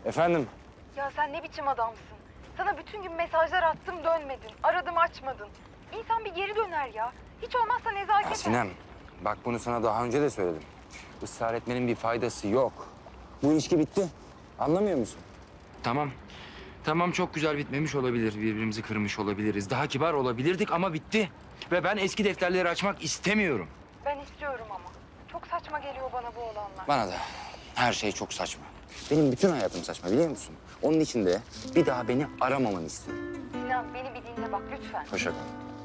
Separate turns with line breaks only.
Efendim?
Ya sen ne biçim adamsın? Sana bütün gün mesajlar attım dönmedin. Aradım açmadın. İnsan bir geri döner ya. Hiç olmazsa nezaket.
Ya Sinem, bak bunu sana daha önce de söyledim. Israr etmenin bir faydası yok. Bu ilişki bitti. Anlamıyor musun?
Tamam. Tamam, çok güzel bitmemiş olabilir. Birbirimizi kırmış olabiliriz. Daha kibar olabilirdik ama bitti. Ve ben eski defterleri açmak istemiyorum.
Ben istiyorum ama. Çok saçma geliyor bana bu olanlar.
Bana da. Her şey çok saçma. Benim bütün hayatım saçma biliyor musun? Onun için de bir daha beni aramamanı istiyorum.
Sinan beni bir dinle bak lütfen.
Hoşça kal.